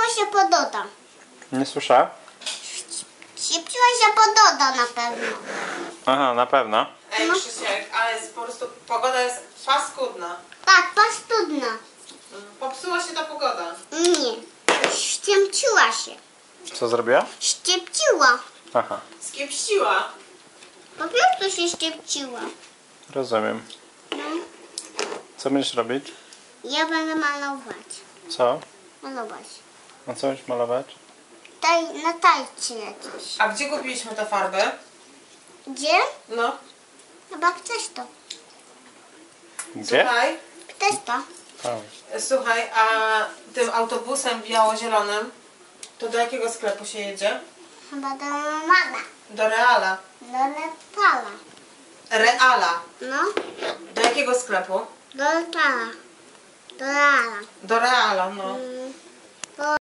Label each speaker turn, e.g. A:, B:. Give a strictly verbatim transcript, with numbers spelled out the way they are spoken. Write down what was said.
A: się pododa.
B: Nie słyszę?
A: Ściepciła się pododa na pewno.
B: Aha, na pewno.
C: Ej,
A: No.
C: Krzysiek, ale jest po prostu, pogoda jest paskudna.
A: Tak, pastudna.
C: Popsuła się ta pogoda.
A: Nie. Ściepciła się.
B: Co zrobiła?
A: Ściepciła.
B: Aha,
C: Skiepściła.
A: Po prostu się ściepciła.
B: rozumiem.
A: No.
B: Co będziesz robić?
A: Ja będę malować.
B: Co?
A: Malować.
B: A co będziesz malować?
A: Taj, na tajcie jakieś.
C: A gdzie kupiliśmy tę farbę?
A: Gdzie?
C: No.
A: Chyba chcesz to.
B: Gdzie?
C: Słuchaj,
A: Chcesz to.
B: O.
C: słuchaj, a tym autobusem biało-zielonym to do jakiego sklepu się jedzie?
A: Chyba do mama.
C: Do Reala.
A: Do letala.
C: Reala.
A: No.
C: Do jakiego sklepu?
A: Do letala. Do Reala.
C: Do Reala, no.
A: Mm.